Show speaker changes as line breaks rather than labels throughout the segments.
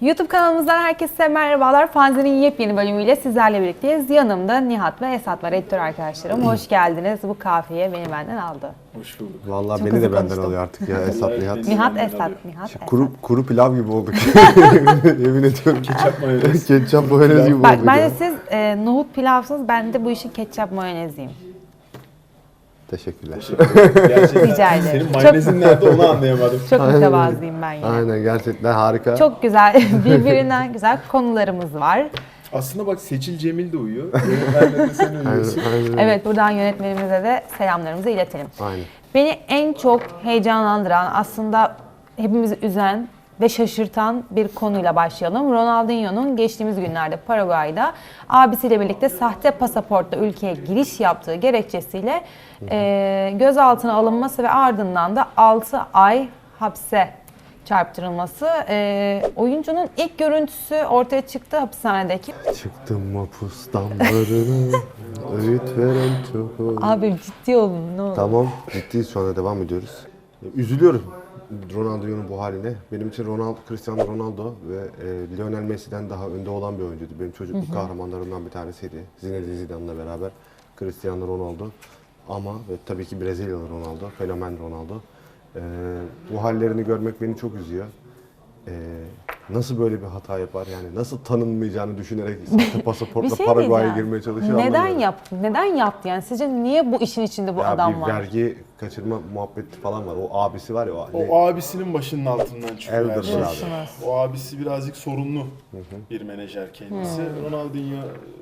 YouTube kanalımızdan herkese merhabalar. Fanzine'in yepyeni bölümüyle sizlerle birlikteyiz. Yanımda Nihat ve Esat var, editör arkadaşlarım. Hoş geldiniz. Bu kahveyi beni aldı.
Hoş bulduk.
Vallahi
Çok
beni de
hızlı
benden
konuştum.
alıyor artık ya Esat Nihat.
Nihat, Esat, Nihat, Esat.
Kuru pilav gibi olduk. Yemin ediyorum.
Ketçap mayonez.
Ketçap mayonez gibi
Bak
olduk
bence
ya.
siz nohut pilavsınız, ben de bu işin ketçap mayoneziyim.
Teşekkürler.
Gerçekten.
Rica ederim.
Senin mayonezin nerede onu anlayamadım.
Çok mütevazıyım ben yine.
Aynen gerçekten harika.
Çok güzel, birbirinden güzel konularımız var.
Aslında bak Seçil Cemil de uyuyor. Yönetmenle de sen uyuyorsun.
Aynen.
Evet, buradan yönetmenimize de selamlarımızı iletelim.
Aynen.
Beni en çok heyecanlandıran, aslında hepimizi üzen ve şaşırtan bir konuyla başlayalım. Ronaldinho'nun geçtiğimiz günlerde Paraguay'da abisiyle birlikte sahte pasaportla ülkeye giriş yaptığı gerekçesiyle gözaltına alınması ve ardından da 6 ay hapse çarptırılması. Oyuncunun ilk görüntüsü ortaya çıktı hapishanedeki.
Çıktım mapus damlarına, öğüt veren çok oldu.
Abi ciddi olun ne olur.
Tamam, ciddiyiz şu anda devam ediyoruz. Üzülüyorum Ronaldinho'nun bu haline. Benim için Cristiano Ronaldo ve Lionel Messi'den daha önde olan bir oyuncuydu. Benim çocukluk kahramanlarımdan bir tanesiydi. Zinedine Zidane'la beraber Cristiano Ronaldo. Ama ve tabii ki Brezilyalı Ronaldo, fenomen Ronaldo. Bu hallerini görmek beni çok üzüyor. Nasıl böyle bir hata yapar yani nasıl tanınmayacağını düşünerek sahte pasaportla Paraguay'a girmeye çalışıyor.
Neden yaptı yani? Sizce niye bu işin içinde bu
Ya
adam
bir
var?
vergi kaçırma muhabbeti falan var. O abisi var ya.
O abisinin başının altından çıkıyor her
Elder
şey.
abi.
O abisi birazcık sorunlu bir menajer kendisi. Ronaldinho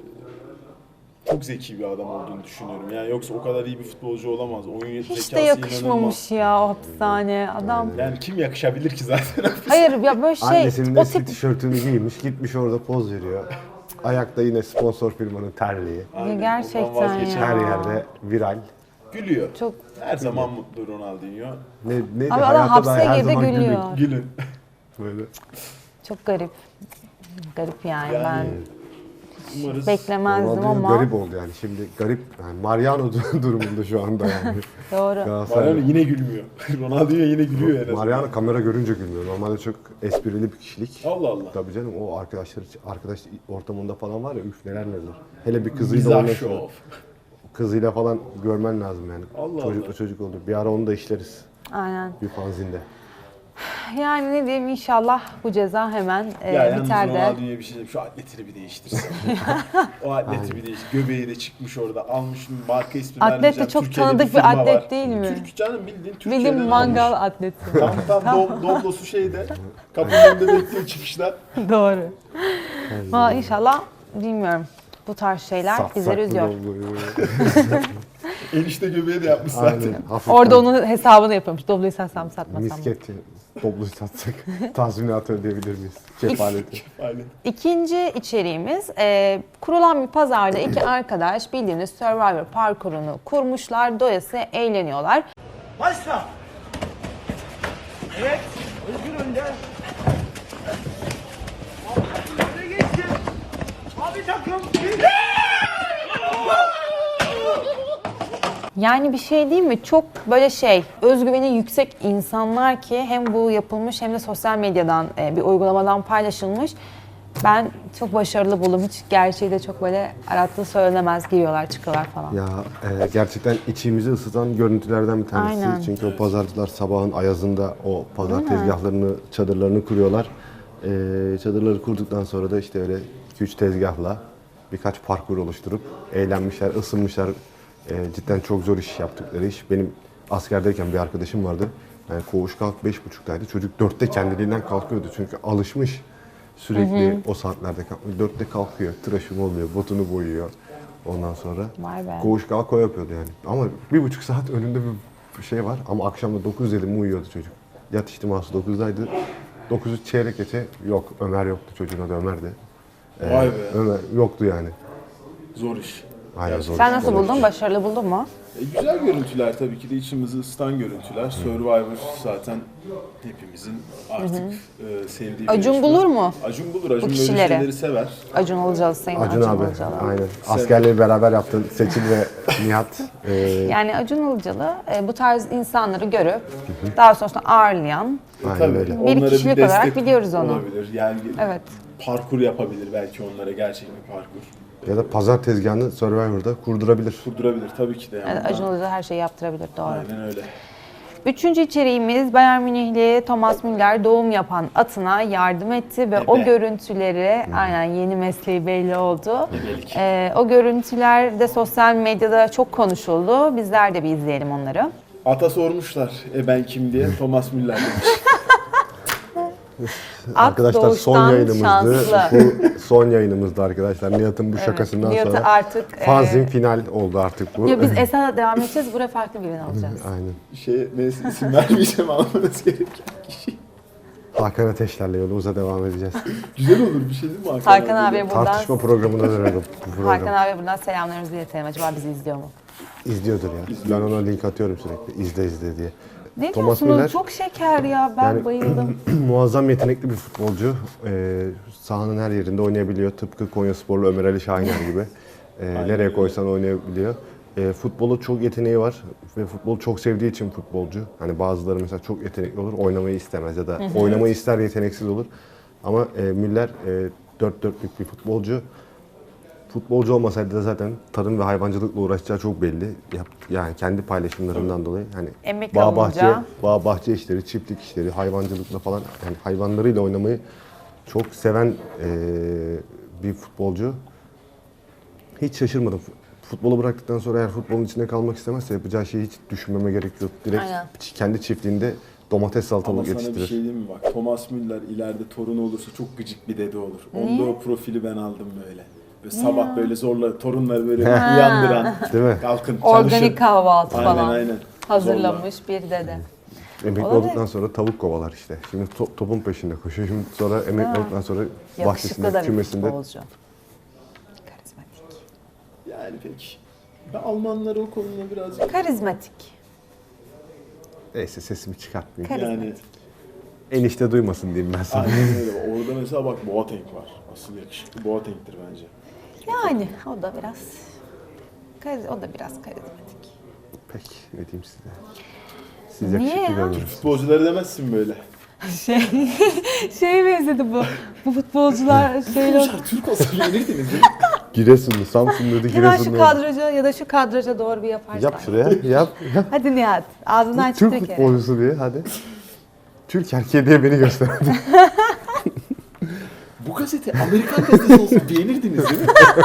çok zeki bir adam olduğunu düşünüyorum. Yani yoksa o kadar iyi bir futbolcu olamaz. Oyun
Hiç
zekası
de yakışmamış
inanılmaz.
ya o hapishane adam.
Yani kim yakışabilir ki zaten?
Hayır ya böyle şey
Annesinin
o
eski
tip
tişörtünü giymiş, gitmiş orada poz veriyor. Ayakta yine sponsor firmanın terliği.
Aynen,
gerçekten
ondan vazgeçemem.
Her yerde viral.
Gülüyor.
çok
Her zaman mutlu Ronaldinho.
Neydi?
Abi adam
Hayatta
hapse
da her
girdi,
zaman
gülüyor.
Gülün.
Böyle.
çok garip. Garip yani,
Yani
ben
Umarız.
beklemezdim
Ronaldinho
ama
garip oldu yani. Şimdi garip, yani Mariano durumunda şu anda yani.
doğru.
Galatasaray.
Mariano yine gülmüyor. Ronaldinho yine gülüyor en azından.
Mariano kamera görünce gülmüyor. Normalde çok esprili bir kişilik.
Allah Allah.
Tabii canım o arkadaş ortamında falan var ya üf neler. Hele bir kızıyla
Mizah
onunla
şov.
kızıyla falan görmen lazım yani.
Allah
Çocuklu
Allah.
çocuk oldu. Bir ara onu da işleriz
Aynen.
bir fanzinde.
Yani ne diyeyim, inşallah bu ceza hemen
Ya yalnız
biter de.
Ronaldinho'ya bir şey diyeyim. Şu atletini bir değiştirsin. O atleti bir değiştir. Göbeği de çıkmış orada. Almış marka ismi
Atlet de
vermeyeceğim.
çok
Türkiye'de
tanıdık bir
firma
atlet
var.
değil mi?
Türk canım bildiğin Türkiye'den
Bildiğin mangal
almış.
atleti.
Tam Doblosu şeyde. Kapının önünde bekliyor çıkışlar.
Doğru. Valla inşallah, bilmiyorum. Bu tarz şeyler bizleri üzüyor.
Enişte göbeği de yapmış zaten.
Aynen. Hafiften
Orada onun hesabını yapıyormuş. Dobloyu satsam mı satmasam mı?
misketi, toplu satsak tazminat ödeyebilir miyiz? Kefaleti.
Aynen.
İkinci içeriğimiz, kurulan bir pazarda iki arkadaş bildiğiniz Survivor parkurunu kurmuşlar. Doyasıya eğleniyorlar.
Başla. Evet. Özgür önde. Öne geçti. Abi takım.
Yani bir şey değil mi? Çok böyle özgüveni yüksek insanlar ki hem bu yapılmış hem de sosyal medyadan bir uygulamadan paylaşılmış. Ben çok başarılı buldum. Hiç gerçeği de çok böyle arattığı söylenemez. Giriyorlar, çıkıyorlar falan.
Ya gerçekten içimizi ısıtan görüntülerden bir tanesi.
Aynen.
Çünkü o pazarcılar sabahın ayazında o pazar tezgahlarını, çadırlarını kuruyorlar. Çadırları kurduktan sonra da işte öyle 2-3 tezgahla birkaç parkur oluşturup eğlenmişler, ısınmışlar. Cidden çok zor iş yaptıkları iş. Benim askerdeyken bir arkadaşım vardı. Yani koğuş kalk 5.30'daydı. Çocuk 4'te kendiliğinden kalkıyordu çünkü alışmış. Sürekli o saatlerde kalkıyor. 4'te kalkıyor, tıraşım oluyor, botunu boyuyor. Ondan sonra
Vay be.
koğuş kalk o yapıyordu yani. Ama 1,5 saat önünde bir şey var. Ama akşam da 9 dedi mi uyuyordu çocuk. Yat ihtiması 9'daydı. 9'u çeyrek geçe yok. Ömer yoktu, çocuğun adı Ömer'di.
Vay be.
Ömer yoktu yani.
Zor iş.
Aynen zor.
Sen nasıl buldun? Başarılı buldun mu?
Güzel görüntüler tabii ki de içimizi ısıtan görüntüler. Survivor zaten hepimizin artık sevdiği bir
Acun
yarışma.
bulur mu?
Acun bulur. Acun böyle
kişileri?
şeyleri sever.
Acun Ilıcalı, Sayın
Acun abi.
Ilıcalı.
Aynen. Askerleri beraber yaptı. Seçil ve Nihat.
Yani Acun Ilıcalı bu tarz insanları görüp daha sonrasında ağırlayan,
Aynen
Tabii.
öyle.
Bir
Onlara
kişilik
destek
olarak biliyoruz onu.
Olabilir. Yani
evet.
parkur yapabilir belki onlara, gerçek bir parkur.
Ya da pazar tezgahını Survivor'da kurdurabilir.
Kurdurabilir tabii ki de. Yani.
Evet, Acun Ilıcalı her şeyi yaptırabilir, doğru.
Aynen öyle.
Üçüncü içeriğimiz Bayern Münihli Thomas Müller doğum yapan atına yardım etti ve o görüntüleri, aynen yeni mesleği belli oldu. O görüntüler de sosyal medyada çok konuşuldu. Bizler de bir izleyelim onları.
Ata sormuşlar ben kim diye. Thomas Müller demiş.
Arkadaşlar son
doğuştan
yayınımızdı.
şanslı.
Bu son yayınımızdı arkadaşlar. Nihat'ın bu şakasından
Nihat'ı
sonra
artık,
fanzin final oldu artık bu.
Ya biz Esad'a devam edeceğiz, buraya farklı birini alacağız.
Aynen.
Neyse isim vermeyeceğim, almanız gereken kişi.
Hakan Ateşler'le yolumuza devam edeceğiz.
Güzel olur bir şey değil mi
Hakan abiye buradan,
Tartışma programına dönelim. Bu program.
Hakan abiye buradan selamlarımızı iletelim. Acaba bizi izliyor mu?
İzliyordur ya. Ben ona link atıyorum sürekli. İzle diye.
Ne
Thomas
diyorsunuz?
Müller-
Çok şeker ya, ben
Yani-
bayıldım.
Muazzam yetenekli bir futbolcu. Sahanın her yerinde oynayabiliyor. Tıpkı Konyasporlu Ömer Ali Şahiner gibi. Nereye koysan oynayabiliyor. Futbolu çok yeteneği var ve futbolu çok sevdiği için futbolcu. Hani bazıları mesela çok yetenekli olur, oynamayı istemez ya da oynamayı ister, yeteneksiz olur. Ama Müller dört dörtlük bir futbolcu. Futbolcu olmasaydı da zaten tarım ve hayvancılıkla uğraşacağı çok belli. Yani kendi paylaşımlarından dolayı hani
Emekli
bağ bahçe işleri, çiftlik işleri, hayvancılıkla falan yani hayvanlarıyla oynamayı çok seven bir futbolcu. Hiç şaşırmadım. Futbolu bıraktıktan sonra eğer futbolun içinde kalmak istemezse yapacağı şeyi hiç düşünmeme gerek yok. Direkt
Aynen.
kendi çiftliğinde domates
Ama
salatalık
sana bir
yetiştirir.
şey diyeyim mi bak, Thomas Müller ileride torun olursa çok gıcık bir dede olur. Onda o profili ben aldım böyle. Böyle sabah böyle zorla torunları böyle uyandıran,
Değil mi?
kalkın çalışın.
Organik kahvaltı
Aynen,
falan
aynen.
hazırlamış bir dede.
Emekli
Olabilir.
olduktan sonra tavuk kovalar işte. Şimdi topun peşinde koşuyor. Şimdi sonra emekli olduktan sonra
Yakışıklı
bahçesinde,
da bir
kümesinde.
futbolcu. Karizmatik.
Yani peki. Ben Almanları o konuda birazcık
Karizmatik.
Neyse sesimi çıkartmayayım.
yani
Enişte duymasın diyeyim ben sana.
aynen öyle. Orada mesela bak Boateng var. Asıl yakışıklı Boateng'tir bence.
Yani o da biraz karizmatik.
Peki ne diyeyim size. Siz
Niye
yakışıklı
ya?
görmüyorsunuz.
Futbolcuları demezsin böyle.
Şeye benzedi bu. Bu futbolcular şeyle...
Türk olsa beğenirdiniz değil mi?
Giresunlu, Samsunlu,
Hemen şu
Giresunlu.
kadraja ya da şu kadraja doğru bir yaparsan.
Yap şuraya, yap.
Hadi Nihat, ağzından çıktı
Türk
bir kere.
futbolcusu diye hadi. Türk erkeği diye beni göster.
Bu gazete Amerikan gazetesi olsa beğenirdiniz değil mi?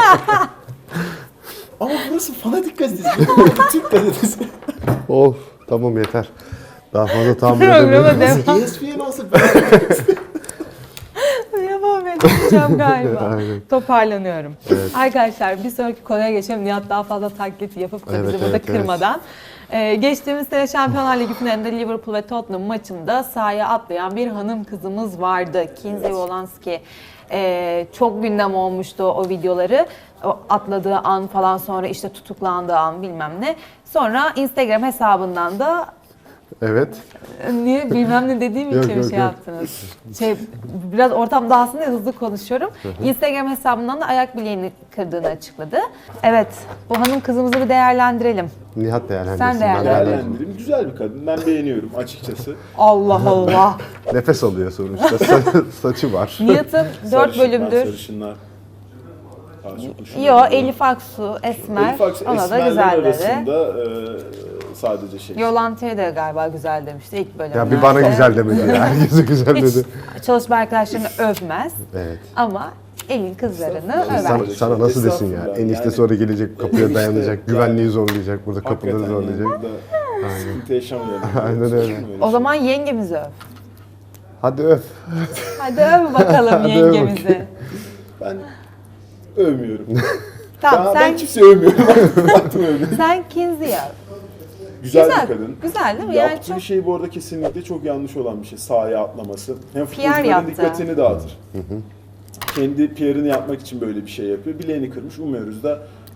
Ama burası fanatik gazetesi. Bu Türk gazetesi.
Of tamam yeter. Daha fazla tahammül
Programa
edemiyorum.
devam.
ESPN olsa beğenirdiniz.
Devam edeceğim galiba.
Aynen.
Toparlanıyorum. Arkadaşlar bir sonraki konuya geçelim. Nihat daha fazla taklit yapıp da
Evet,
bizi burada
evet,
kırmadan. Geçtiğimiz sene Şampiyonlar Ligi finalinde Liverpool ve Tottenham maçında sahaya atlayan bir hanım kızımız vardı. Kinsey Wolanski. Çok gündem olmuştu o videoları. O atladığı an falan, sonra işte tutuklandığı an bilmem ne. Sonra Instagram hesabından da
Evet.
niye bilmem ne dediğim
Yok,
için
yok,
şey
yok.
yaptınız. Biraz ortam dağılsın diye hızlı konuşuyorum. Instagram hesabından da ayak bileğini kırdığını açıkladı. Evet, bu hanım kızımızı bir değerlendirelim.
Nihat değerlendirsin.
Sen
ben
değerlendir.
Değerlendireyim. Güzel bir kadın. Ben beğeniyorum açıkçası.
Allah Allah.
Nefes alıyor sonuçta. Saçı var.
Nihat'ın 4
Sarışınlar,
bölümdür.
Sarışınlar. Daha çok hoşuma
Yo,
gidiyor.
Elif Aksu, Esmer.
Elif Aksu,
Ona da
Esmerler
güzel dedi.
arasında sadece şey.
Yolanta'ya da galiba güzel demişti ilk bölümlerde.
Ya bir bana güzel demedi ya. Herkese güzel
Hiç
dedi.
çalışma arkadaşlarını övmez
Evet.
ama elin kızlarını över.
Sana nasıl desin ya?
Estağfurullah.
Enişte
Yani-
sonra gelecek kapıya
Enişte,
dayanacak,
yani-
güvenliği zorlayacak, burada kapıları
Hakikaten yani
zorlayacak.
burada sıkıntı yaşamayalım.
Aynen öyle.
O zaman yengemizi öv.
Hadi öf.
Hadi öv bakalım
Hadi öv
yengemizi.
Ben övmüyorum.
Tamam
Ben
sen,
kimseyi övmüyorum. Baktım övmüyorum.
sen Kinsey'i öv.
Güzel
Güzel,
bir kadın.
güzel değil mi? Yani
Yaptığı
çok-
şey bu arada kesinlikle çok yanlış olan bir şey. Sahaya atlaması. Hem
PR
futbolcuların
yaptı.
dikkatini dağıtır. Kendi PR'ını yapmak için böyle bir şey yapıyor. Bileğini kırmış. Umuyoruz da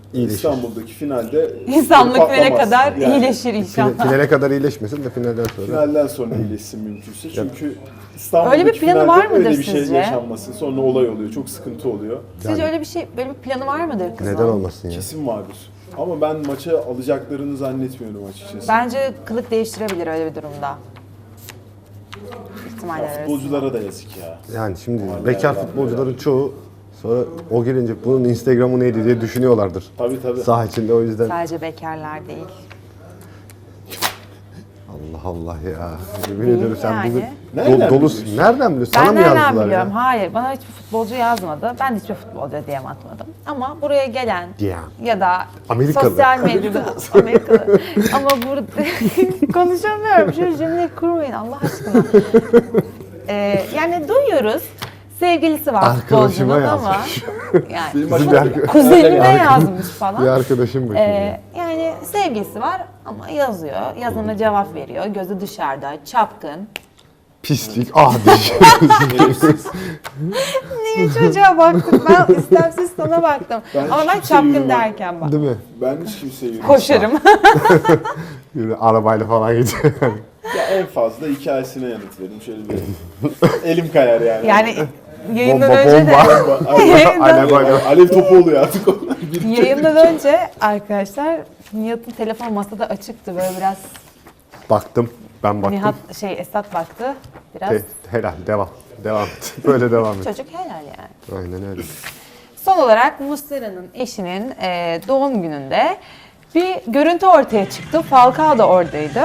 İyileşir.
İstanbul'daki finalde
İnsanlık finale
patlamaz.
kadar
Yani
iyileşir inşallah.
Finale kadar iyileşmesin de finalden sonra.
Finalden sonra iyileşsin mümkünse. Çünkü İstanbul'daki
Öyle bir planı
finalde
var mıdır
öyle bir şey
sizce?
yaşanmasın. Sonra olay oluyor. Çok sıkıntı oluyor.
Sizce öyle bir şey, böyle bir planı var mıdır kızın?
Neden olmasın ya?
Kesin vardır. Ama ben maça alacaklarını zannetmiyorum açıkçası.
Bence kılık değiştirebilir öyle bir durumda. İhtimaller
Ya
arasında.
futbolculara da yazık ya.
Yani şimdi bekar futbolcuların çoğu sonra o gelince bunun Instagram'ı neydi diye düşünüyorlardır.
Tabii.
Saha içinde o yüzden.
Sadece bekarlar değil.
Allah Allah ya. Yemin ediyorum sen
yani.
bugün
Nereden
dolusun.
biliyorsun?
Nereden biliyorsun? Sana
Ben
mı
nereden
yazdılar
biliyorum?
ya?
Hayır, bana hiçbir futbolcu yazmadı. Ben de hiçbir futbolcu DM atmadım. Ama buraya gelen
DM.
ya da
Amerikalı.
sosyal medyada Amerikalı. Ama burada konuşamıyorum. Şu cümleyi kurmayın Allah aşkına. Yani duyuyoruz. Sevgilisi var
Arkadaşıma
futbolcunun ama
yazmış.
yani
Benim
Bizim bir arka-
kuzenine yazmış falan.
Bir arkadaşım bakıyor.
Yani sevgilisi var ama yazıyor. Yazana cevap veriyor. Gözü dışarıda, çapkın.
Pislik, adi.
Niye çocuğa baktım? Ben istemsiz sana baktım. Ama ben
hiç
çapkın
seviyorum.
derken bak.
Değil mi?
Ben hiç kimseye yürüyorum.
Koşarım.
Yürü, arabayla falan gidiyor.
Ya en fazla hikayesine yanıt veririm. Şöyle bir elim kayar yani.
Yani yayından
Bomba,
önce de
bomba.
yayından,
Alev topu oluyor artık onlar.
yayından önce arkadaşlar Nihat'ın telefon masada açıktı. Böyle biraz
Baktım. Ben baktım.
Nihat Esat baktı. Biraz
Helal, devam. Devam. Böyle devam et.
çocuk helal yani.
Aynen öyle.
Son olarak Muslera'nın eşinin doğum gününde bir görüntü ortaya çıktı. Falcao da oradaydı.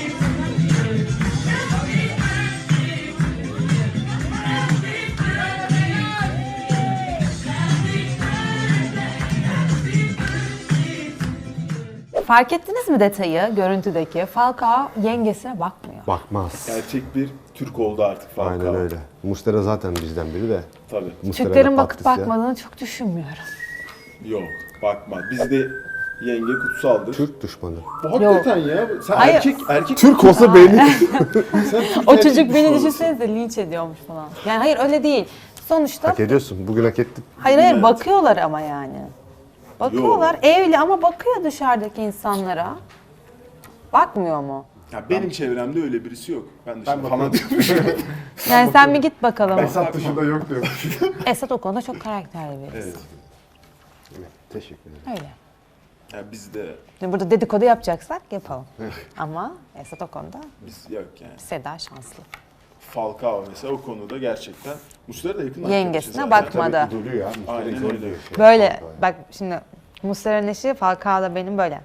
Fark ettiniz mi detayı görüntüdeki? Falcao yengesine bakmıyor.
Bakmaz.
Gerçek bir Türk oldu artık Falcao.
Aynen öyle. Mustera zaten bizden biri de.
Tabii.
Muslera
Türklerin
da
bakıp
Patricia.
bakmadığını çok düşünmüyorum.
Yok bakma. Bizde yenge kutsaldır.
Türk düşmanı.
Bu hakikaten ya. Sen
Hayır.
erkek
Türk olsa belli.
Sen Türk
O
erkek
çocuk beni
düşmanısın.
düşünsenize linç ediyormuş falan. Yani hayır öyle değil. Sonuçta
Hak ediyorsun. Bugün hak ettin.
hayır
Evet.
bakıyorlar ama yani. Bakıyorlar evli ama bakıyor dışarıdaki insanlara. Bakmıyor mu?
Ya benim çevremde öyle birisi yok. Ben dışarı falan diyorum.
Yani sen bir git bakalım.
Esat dışında yok diyor.
Esat o konuda çok karakterli birisi.
Evet.
Teşekkür ederim.
Öyle.
Ya bizde
Şimdi burada dedikodu yapacaksak yapalım. Ama Esat o konuda
biz yok yani.
Seda şanslı.
Falcao mesela o konuda gerçekten Muslera da yakın
Yengesine
arkadaşı zaten.
bakmadı.
İdolü ya. Muslera
Aynen
idol
öyle.
diyor.
Böyle bak şimdi Muslera'nın eşi Falcao da benim böyle.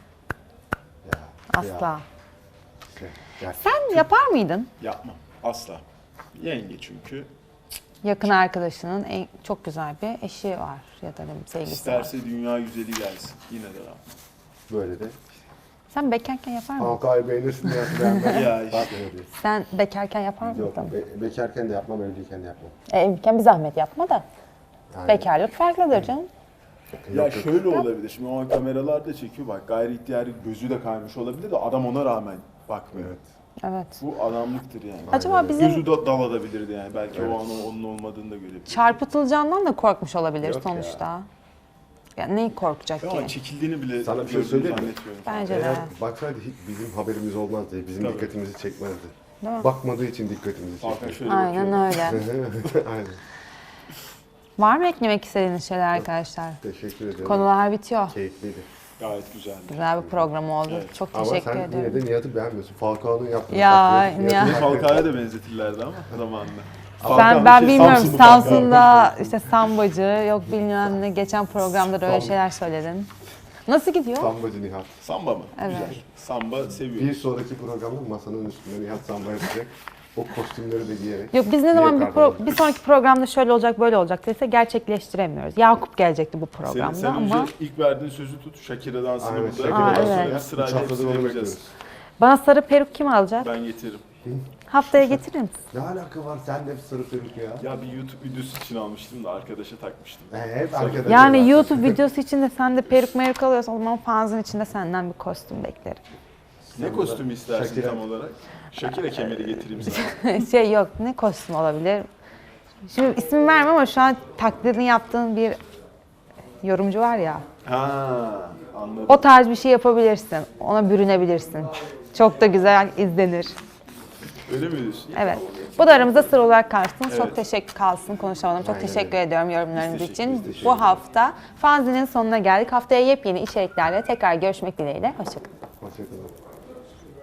Asla.
Gerçekten.
Sen yapar mıydın?
Yapmam. Asla. Yenge çünkü.
Yakın arkadaşının çok güzel bir eşi var ya da sevgilisi var.
İsterse dünya güzeli gelsin. Yine de yapmam.
Böyle de.
Sen bekarken yapar mıydın?
Halkayı beğenirsin diye beğenmem.
Ya işte.
Bak öyle diyor.
Sen bekarken yapar mıydın?
Yok, bekarken de yapmam, evliyken de yapmam.
Evliyken bir zahmet yapma da.
Yani,
Bekarlık farklıdır canım.
Ya şöyle olabilir. Şimdi o an kameralar da çekiyor. Bak gayri ihtiyari gözü de kaymış olabilir de adam ona rağmen bakmıyor.
Evet.
Evet.
Bu adamlıktır yani.
Acaba bizim
Gözü da dalabilirdi yani. Belki o an onun olmadığını da görebilir.
çarpıtılacağından da korkmuş olabilir
Yok
sonuçta. Ya neyi korkacak
Ama
ki?
çekildiğini bile
Sana bir şey
gördüğünü
söyleyeyim mi?
zannetmiyorum.
Bence de.
Eğer baksaydı hiç bizim haberimiz olmazdı, bizim
Tabii.
dikkatimizi çekmezdi.
Değil mi?
Bakmadığı için dikkatimizi
Hakan
çekti.
şöyle
Aynen
bakıyor.
öyle.
Aynen.
Var mı eklemek istediğiniz şeyler arkadaşlar?
Teşekkür ederim.
Konular bitiyor.
Keyifliydi.
Gayet güzeldi.
Güzel bir program oldu.
Evet.
Çok
Ama
teşekkür
sen
ederim.
yine de Nihat'ı beğenmiyorsun. Falcao'nun yaptığı.
Ya,
taklidi.
Nihat-
Beni Falcao'ya da benzetirlerdi ama zamanında.
Ben
Şey,
bilmiyorum
Samsunlu Falcao.
Samsun'da işte sambacı yok bilmem ne geçen programda da öyle şeyler söyledin. Nasıl gidiyor?
Sambacı Nihat.
Samba mı?
Evet.
Güzel. Samba seviyorum.
Bir sonraki programda masanın üstünde Nihat samba yapacak. O kostümleri de giyerek.
Yok biz ne zaman
Yok
bir sonraki programda şöyle olacak böyle olacak dese gerçekleştiremiyoruz. Yakup gelecekti bu programda
Sen
ama
önce ilk verdiğin sözü tut. Shakira dansını
Aynen,
burada.
Shakira
Ondan
dansını.
sonra
Evet.
sırayla
Üç haftadır
hepsini
onu
yapacağız.
bekliyoruz.
bana sarı peruk kim alacak?
Ben getiririm.
Haftaya getirir misin?
Ne alaka var? Sen de hep sarı peruk ya.
Ya bir YouTube videosu için almıştım da arkadaşa takmıştım.
Hep arkadaşlar.
Yani YouTube videosu için de sen de peruk meruk alıyorsan o zaman fanzın içinde senden bir kostüm beklerim.
Ne kostümü istersin
Shakira.
tam olarak? Shakira kemeri getireyim sana.
Şey yok ne kostüm olabilir? Şimdi isim vermem ama şu an taklidini yaptığın bir yorumcu var ya.
Ha, anladım.
O tarz bir şey yapabilirsin. Ona bürünebilirsin. Çok da güzel izlenir.
Öyle mi diyorsun?
Evet. Bu da aramızda sır olarak kalsın.
Evet.
Çok teşekkür kalsın konuşamadım. Çok
Aynen
teşekkür
öyle.
ediyorum yorumlarınız
Biz
için.
teşekkür
Bu hafta fanzinin sonuna geldik. Haftaya yepyeni içeriklerle tekrar görüşmek dileğiyle. Hoşçakalın.
Hoşçakalın.